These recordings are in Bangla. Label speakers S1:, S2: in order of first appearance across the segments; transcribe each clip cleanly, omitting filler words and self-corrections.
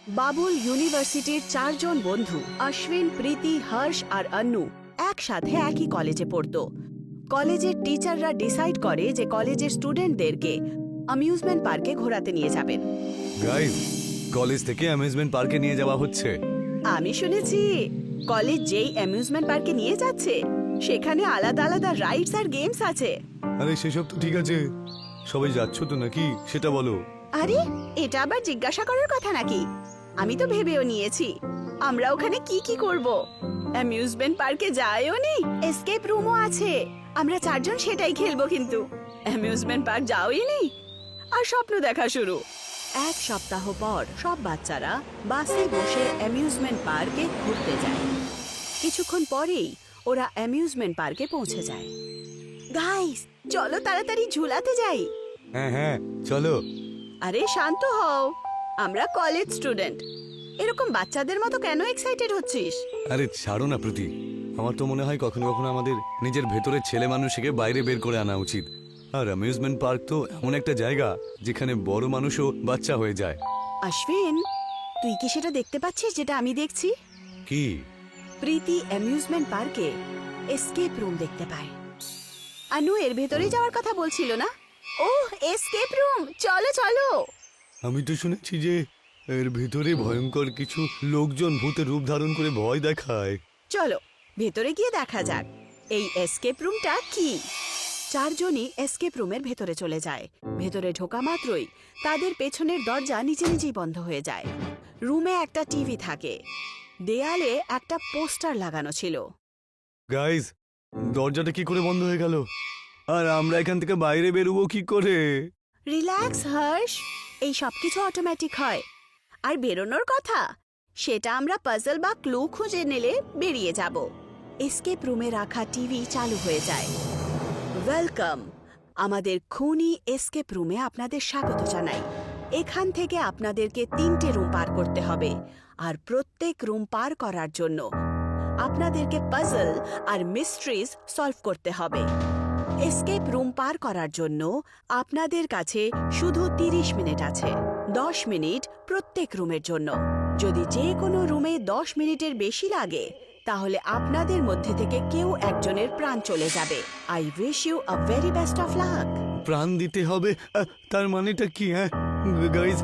S1: বাবুল ইউনিভার্সিটির 4 জন বন্ধু অশ্বিন, প্রীতি, হর্ষ আর অন্নু একসাথে একই কলেজে পড়তো। কলেজের টিচাররা ডিসাইড করে যে কলেজের স্টুডেন্টদেরকে অ্যামিউজমেন্ট পার্কে ঘোরাতে নিয়ে যাবেন।
S2: গাইস, কলেজ থেকে অ্যামিউজমেন্ট পার্কে নিয়ে যাওয়া হচ্ছে।
S1: আমি শুনেছি কলেজ যেই অ্যামিউজমেন্ট পার্কে নিয়ে যাচ্ছে সেখানে আলাদা আলাদা রাইডস আর গেমস আছে।
S2: আরে সেসব তো ঠিক আছে, সবাই যাচ্ছ তো নাকি সেটা বলো।
S1: আরে এটা আবার জিজ্ঞাসা করার কথা নাকি? আমি তো ভেবেও নিয়েছি আমরা ওখানে কি কি করব। অ্যামিউজমেন্ট পার্কে যাইও নি, এসকেপ রুমও আছে। আমরা 4 জন সেটাই খেলবো, কিন্তু অ্যামিউজমেন্ট পার্ক যাওই নি আর স্বপ্ন দেখা শুরু। 1 সপ্তাহ পর সব বাচ্চারা বাসে বসে অ্যামিউজমেন্ট পার্কে ঘুরতে যায়। কিছুক্ষণ পরেই ওরা অ্যামিউজমেন্ট পার্কে পৌঁছে যায়। গাইস, চলো তাড়াতাড়ি ঝুলাতে যাই।
S2: হ্যাঁ হ্যাঁ চলো।
S1: আরে শান্ত হও, আমরা কলেজ স্টুডেন্ট। এরকম বাচ্চাদের মতো কেন এক্সাইটেড হচ্ছিস?
S2: আরে ছাড়ো না প্রীতি, আমার তো মনে হয় কখনো কখনো আমাদের নিজের ভেতরের ছেলে মানুষকে বাইরে বের করে আনা উচিত। আর অ্যামিউজমেন্ট পার্ক তো এমন একটা জায়গা যেখানে বড় মানুষও বাচ্চা হয়ে যায়।
S1: অশ্বিন, তুই কি সেটা দেখতে পাচ্ছিস যেটা আমি দেখছি?
S2: কি?
S1: প্রীতি অ্যামিউজমেন্ট পার্কে এসকেপ রুম দেখতে পায়। আনু এর ভেতরে যাওয়ার কথা বলছিল না? ওহ, এসকেপ রুম, চলো চলো।
S2: আমি তো শুনেছি যে এর ভেতরে ভয়ঙ্কর কিছু লোকজন ভূতের রূপ ধারণ করে ভয় দেখায়।
S1: চলো ভেতরে গিয়ে দেখা যাক এই এসকেপ রুমটা কি। 4 জনই এসকেপ রুমের ভেতরে চলে যায়। ভেতরে ঢোকা মাত্রই তাদের পেছনের দরজা নিজে নিজেই বন্ধ হয়ে যায়। রুমে একটা টিভি থাকে, দেয়ালে একটা পোস্টার লাগানো ছিল।
S2: গাইস, দরজাটা কি করে বন্ধ হয়ে গেল? আর আমরা এখান থেকে বাইরে বেরোবো কি করে?
S1: রিল্যাক্স হর্ষ, এই সবকিছু অটোমেটিক হয়। আর বেরোনোর কথা সেটা আমরা পাজল বা ক্লু খুঁজে নিলে বেরিয়ে যাব। এসকেপ রুমে রাখা টিভি চালু হয়ে যায়। ওয়েলকাম, আমাদের খুনি এসকেপ রুমে আপনাদের স্বাগত জানাই। এখান থেকে আপনাদেরকে 3টে রুম পার করতে হবে, আর প্রত্যেক রুম পার করার জন্য আপনাদেরকে পাজল আর মিস্ট্রিজ সলভ করতে হবে। এসকেপ রুম পার করার জন্য আপনাদের কাছে শুধু 30 মিনিট আছে। 10 মিনিট প্রত্যেক রুমের জন্য। যদি যে কোনো রুমে 10 মিনিটের বেশি লাগে তাহলে আপনাদের মধ্যে থেকে কেউ একজনের প্রাণ চলে যাবে। I wish you a very best of luck.
S2: প্রাণ দিতে হবে? তার মানেটা কি? হ্যাঁ গাইজ,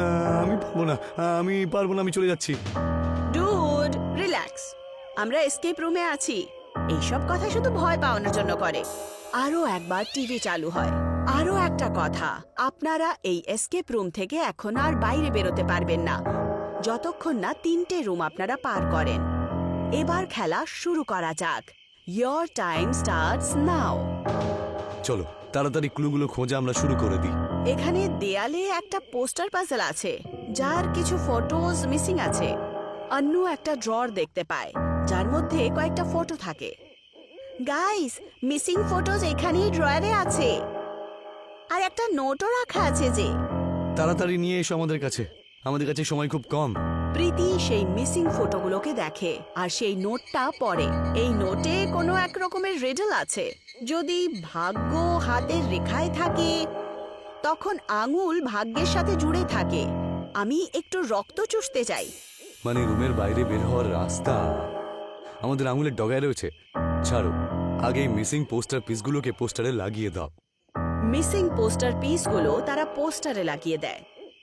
S2: আমি পারবো না, আমি চলে যাচ্ছি।
S1: ডুড, রিল্যাক্স, আমরা এসকেপ রুমে আছি। এইসব কথা শুধু ভয় পাওয়ানোর জন্য করে। আরো একবার টিভি চালু হয়। আরো একটা কথা, আপনারা এই এসকেপ রুম থেকে এখন আর বাইরে বেরোতে পারবেন না যতক্ষণ না 3টে রুম আপনারা পার করেন। এবার খেলা শুরু করা যাক। Your time starts now.
S2: চলো তাড়াতাড়ি ক্লুগুলো খোঁজা আমরা শুরু করে দিই।
S1: এখানে দেয়ালে একটা পোস্টার পাজল আছে যার কিছু ফটোজ মিসিং আছে। অন্নু একটা ড্রয়ার দেখতে পায় যার মধ্যে কয়েকটা ফটো থাকে। গাইস, মিসিং ফটোজ এখানেই ড্রয়ারে আছে। আর একটা নোটও রাখা আছে যে।
S2: তাড়াতাড়ি নিয়ে এসো আমাদের কাছে সময় খুব কম।
S1: প্রীতি সেই মিসিং ফটোগুলোকে দেখে আর সেই নোটটা পড়ে। এই নোটে কোনো এক রকমের রিডল আছে। যদি ভাগ্য হাতের রেখায় থাকে তখন আঙুল ভাগ্যের সাথে জুড়ে থাকে। আমি একটু রক্ত চুষতে চাই।
S2: মানে রুমের বাইরে বের হওয়ার রাস্তা আমাদের আঙুলের ডগায় রয়েছে। ছাড়ো, আগে মিসিং পোস্টার পিসগুলোকে পোস্টারে লাগিয়ে দাও।
S1: মিসিং পোস্টার পিসগুলো তারা পোস্টারে লাগিয়ে দেয়।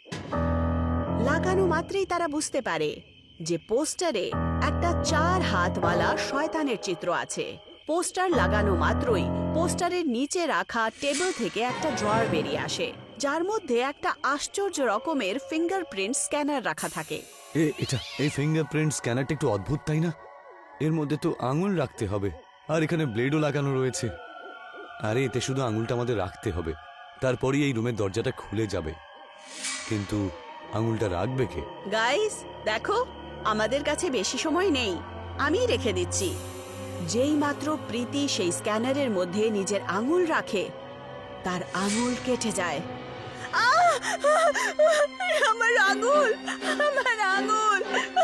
S1: লাগানো মাত্রই তারা বুঝতে পারে যে পোস্টারে একটা 4 হাতওয়ালা শয়তানের চিত্র আছে। পোস্টার লাগানো মাত্রই পোস্টারের নিচে রাখা টেবিল থেকে একটা ড্রয়ার বেরিয়ে আসে যার মধ্যে একটা আশ্চর্য রকমের ফিঙ্গারপ্রিন্ট স্ক্যানার রাখা থাকে।
S2: এই ফিঙ্গারপ্রিন্ট স্ক্যানারটা একটু অদ্ভুত, তাই না? এর মধ্যে তো আঙুল রাখতে হবে, আর এখানে ব্লেডও লাগানো রয়েছে। আরে এতে শুধু আঙুলটা আমাদের রাখতে হবে, তারপরই এই রুমের দরজাটা খুলে যাবে। কিন্তু আঙুলটা রাখবে কে?
S1: গাইস দেখো, আমাদের কাছে বেশি সময় নেই, আমি রেখে দিচ্ছি। যেই মাত্র প্রীতি সেই স্ক্যানারের মধ্যে নিজের আঙুল রাখে তার আঙুল কেটে যায়। আমার আঙুল, আমার আঙুল!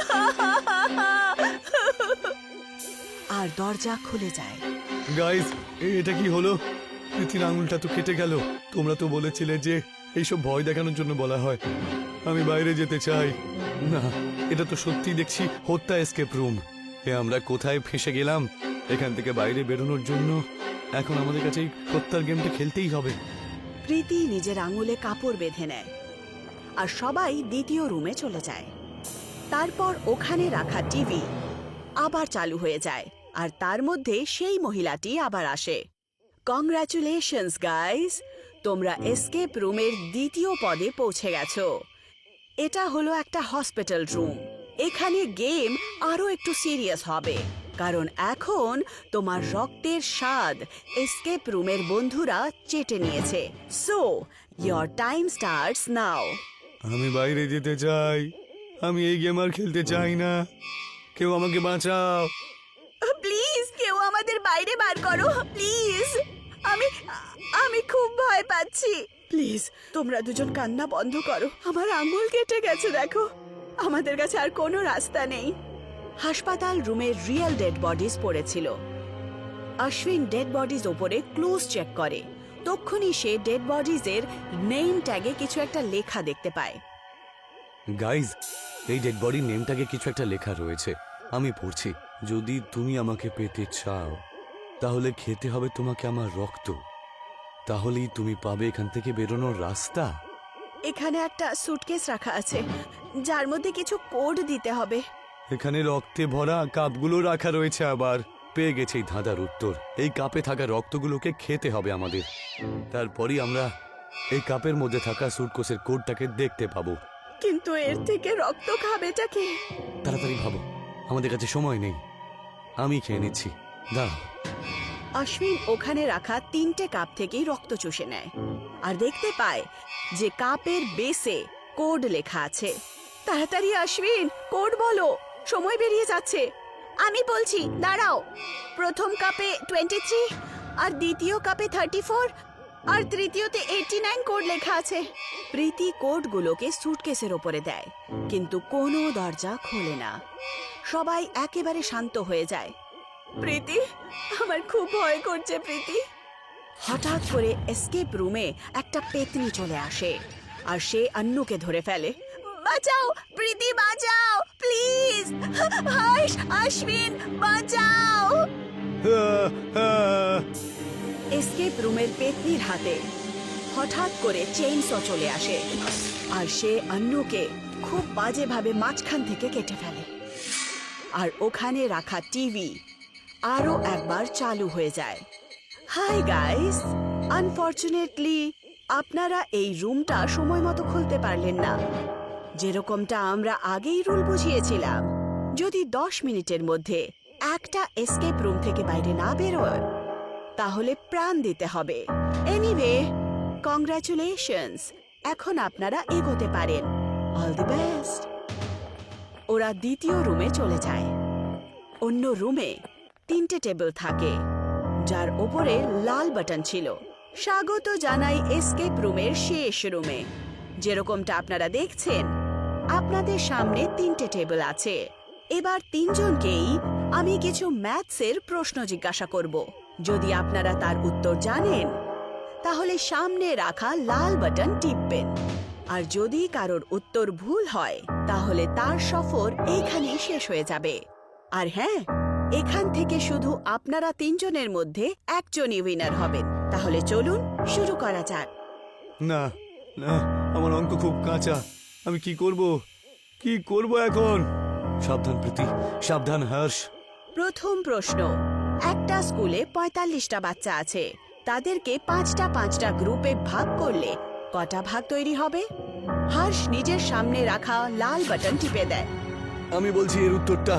S1: আর দরজা খুলে যায়।
S2: গাইস, এটা কি হলো? প্রীতির আঙুলটা তো কেটে গেল। তোমরা তো বলেছিলে যে এইসব ভয় দেখানোর জন্য বলা হয়। আমি বাইরে যেতে চাই। না, এটা তো সত্যি দেখছি হত্যা এসকেপ রুম। আমরা কোথায় ফেঁসে গেলাম? এখান থেকে বাইরে বেরোনোর জন্য এখন আমাদের কাছে এই হত্যার গেমটা খেলতেই হবে।
S1: প্রীতি নিজের আঙুলে কাপড় বেঁধে নেয় আর সবাই দ্বিতীয় রুমে চলে যায়। তারপর ওখানে রাখা টিভি আবার চালু হয়ে যায় আর তার মধ্যে সেই মহিলাটি আবার আসে। কংগ্রাচুলেশনস গাইস, তোমরা এসকেপ রুমের দ্বিতীয় পদে পৌঁছে গেছো। এটা হলো একটা হসপিটাল রুম। এখানে গেম আরো একটু সিরিয়াস হবে, কারণ এখন তোমার রক্তের স্বাদ এসকেপ রুমের বন্ধুরা চেটে নিয়েছে। So your time starts now.
S2: আমি বাইরে যেতে চাই, আমি এই গেম আর খেলতে চাই না। কেউ আমাকে বাঁচাও।
S1: প্লিজ কেউ আমাদের বাইরে বার করো প্লিজ। আমি আমি খুব ভয় পাচ্ছি। প্লিজ তোমরা দুজন কান্না বন্ধ করো। আমার আঙ্গুল কেটে গেছে, দেখো। আমাদের কাছে আর কোনো রাস্তা নেই। হাসপাতাল রুমে রিয়েল ডেড বডিজ পড়েছিল। অশ্বিন ডেড বডিজ ওপরে ক্লুজ চেক করে। তক্ষুনি সে ডেড বডিজের নেম ট্যাগে কিছু একটা লেখা দেখতে পায়।
S2: গাইজ, এই ডেড বডির নেমটাকে কিছু একটা লেখা রয়েছে। আমি পড়ছি, যদি তুমি আমাকে পেতে চাও তাহলে খেতে হবে তোমাকে আমার রক্ত, তাহলেই তুমি পাবে এখান থেকে বেরোনোর রাস্তা।
S1: এখানে একটা সুটকেস রাখা আছে যার মধ্যে কিছু কোড দিতে হবে।
S2: এখানে রক্তে ভরা কাপগুলো রাখা রয়েছে। আবার পেয়ে গেছে এই ধাঁধার উত্তর। এই কাপে থাকা রক্তগুলোকে খেতে হবে আমাদের, তারপরই আমরা এই কাপের মধ্যে থাকা সুটকেসের কোডটাকে দেখতে পাবো।
S1: কিন্তু এর থেকে রক্ত খাবেটা কে?
S2: তাড়াতাড়ি ভাবো, আমাদের কাছে সময় নেই। আমি খেয়ে নিচ্ছি, দাঁড়াও।
S1: অশ্বিন ওখানে রাখা 3টে কাপ থেকেই রক্ত চুষে নেয় আর দেখতে পায় যে কাপের বেসে কোড লেখা আছে। তাড়াতাড়ি অশ্বিন, কোড বলো, সময় বেরিয়ে যাচ্ছে। আমি বলছি, দাঁড়াও। প্রথম কাপে 23 আর দ্বিতীয় কাপে 34 আর তৃতীয়তে 89 কোড লেখা আছে। প্রীতি কোডগুলোকে সুটকেসের ওপরে দেয়, কিন্তু কোনো দরজা খোলে না। সবাই একেবারে শান্ত হয়ে যায়। প্রীতি, আমার খুব ভয় করছে প্রীতি। হঠাৎ করে এসকেপ রুমে একটা পেতনি চলে আসে আর সে অন্নুকে ধরে ফেলে। বাঁচাও প্রীতি, বাঁচাও প্লিজ। হর্ষ, অশ্বিন, বাঁচাও। এসকেপ রুমের পেতনির হাতে হঠাৎ করে চেইনস চলে আসে আর সে অন্নুকে খুব বাজেভাবে মাঝখান থেকে কেটে ফেলে। আর ওখানে রাখা টিভি আরো একবার চালু হয়ে যায়। হাই গাইস, আনফরচুনেটলি আপনারা এই রুমটা সময় মতো খুলতে পারলেন না। যেরকমটা আমরা আগেই রুল বুঝিয়েছিলাম, যদি 10 মিনিটের মধ্যে একটা এসকেপ রুম থেকে বাইরে না বেরোয় তাহলে প্রাণ দিতে হবে। এনিওয়ে, কংগ্রাচুলেশনস, এখন আপনারা এগোতে পারেন। All the best. ওরা দ্বিতীয় রুমে চলে যায়। অন্য রুমে 3টে টেবিল থাকে যার ওপরে লাল বাটন ছিল। স্বাগত জানাই এসকেপ রুমের শেষ রুমে। যেরকমটা আপনারা দেখছেন, আপনাদের সামনে 3টে টেবিল আছে। এবার 3জনকেই আমি কিছু ম্যাথসের প্রশ্ন জিজ্ঞাসা করব। যদি আপনারা তার উত্তর জানেন তাহলে সামনে রাখা লাল বাটন টিপবেন, আর যদি কারোর উত্তর ভুল হয় তাহলে তার সফর এইখানেই শেষ হয়ে যাবে। আর হ্যাঁ, এখান থেকে শুধু আপনারা 3জনের মধ্যে একজনই উইনার হবেন। তাহলে চলুন শুরু করা যাক।
S2: না না, আমার অঙ্ক খুব কাঁচা। আমি কি করব এখন? সাবধান প্রীতি, সাবধান হর্ষ।
S1: প্রথম প্রশ্ন, একটা স্কুলে 45টা বাচ্চা আছে। তাদেরকে 5টা গ্রুপে ভাগ করলে কটা ভাগ তৈরি হবে? হর্ষ নিজের সামনে রাখা লাল বাটন টিপে দেয়।
S2: আমি বলছি এর উত্তরটা,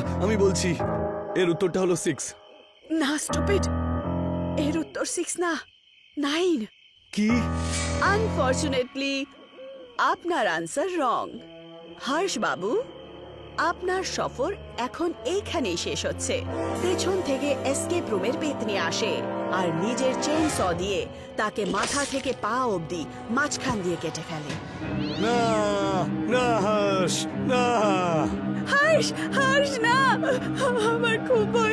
S2: এর উত্তরটা হলো 6।
S1: না স্টুপিড, এর উত্তর 6 না, 9।
S2: কি?
S1: আনফরচুনেটলি আপনার আনসার রং। হর্ষ বাবু, আপনার সফর এখন এইখানেই শেষ হচ্ছে। পেছন থেকে এসকেপ রুমের পেতনি আসে আর নিজের চেইন স দিয়ে তাকে মাথা থেকে পা অবধি মাঝখান দিয়ে কেটে ফেলে।
S2: না না হর্ষ, না।
S1: হর্ষ, হর্ষ না, আমার খুব ভয়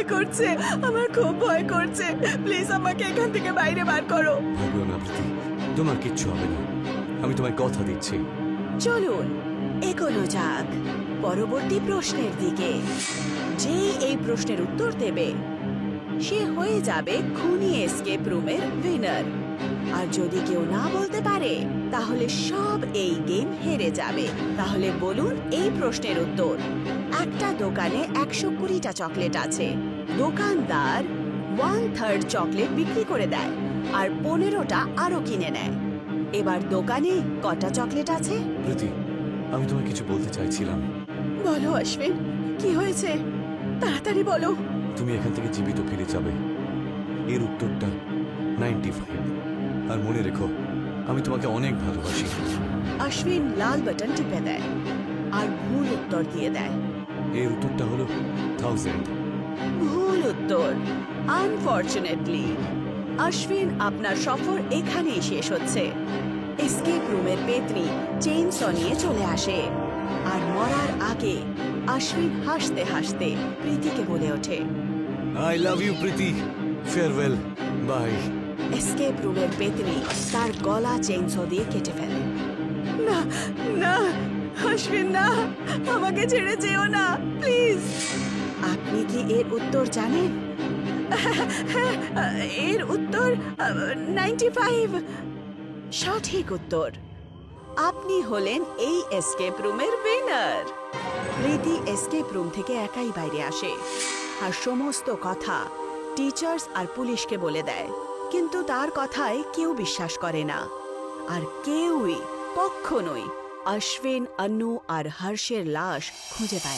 S1: করছে, প্লিজ আমাকে এখান থেকে বাইরে বার করো।
S2: ভাবিও না প্রীতি, তোমার কিচ্ছু হবে না, আমি তোমায় কথা দিচ্ছি।
S1: চলুন এগোনো যাক। পরবর্তী প্রশ্নের দিকে। যেই এই প্রশ্নের উত্তর দেবে সে হয়ে যাবে খুনি এসকেপ রুমের উইনার। আর যদি কেউ না বলতে পারে তাহলে সব এই গেম হেরে যাবে। তাহলে বলুন এই প্রশ্নের উত্তর। একটা দোকানে 120টা চকলেট আছে। দোকানদার 1/3 চকলেট বিক্রি করে দেয় আর 15টা আরো কিনে নেয়। এবার দোকানে কটা চকলেট আছে?
S2: প্রীতি, আমি তোমায় কিছু বলতে চাইছিলাম।
S1: বলো অশ্বিন, কি হয়েছে? তাড়াতাড়ি বলো।
S2: তুমি এখান থেকে জীবিত ফিরে যাবে। এর উত্তরটা 95। আর মনে রেখো, আমি তোমাকে অনেক ভালোবাসি।
S1: অশ্বিন লাল বাটন টিপে দেয় আর ভুল উত্তর দিয়ে দেয়।
S2: এর উত্তরটা হলো 1000।
S1: ভুল উত্তর। আনফরচুনেটলি অশ্বিন, আপনার সফর এখানেই শেষ হচ্ছে। এসকেপ রুমের পেত্নী চেইনস নিয়ে চলে আসে আর মরার আগে অশ্বিন হাসতে হাসতে প্রীতিকে বলে ওঠে,
S2: I love you Priti, farewell, bye.
S1: Escape রুমের পেত্নী তার গলা চেইনস দিয়ে কেটে ফেলে। না না অশ্বিন, না, আমাকে ছেড়ে যেও না প্লিজ। আপনি কি এর উত্তর জানেন? এর উত্তর 95। সঠিক উত্তর। আপনি হলেন এই এসকেপ রুমের উইনার। প্রীতি এসকেপ রুম থেকে একাই বাইরে আসে আর সমস্ত কথা টিচার্স আর পুলিশকে বলে দেয়। কিন্তু তার কথায় কেউ বিশ্বাস করে না আর কেউই কখনোই অশ্বিন, অন্নু আর হর্ষের লাশ খুঁজে পায় না।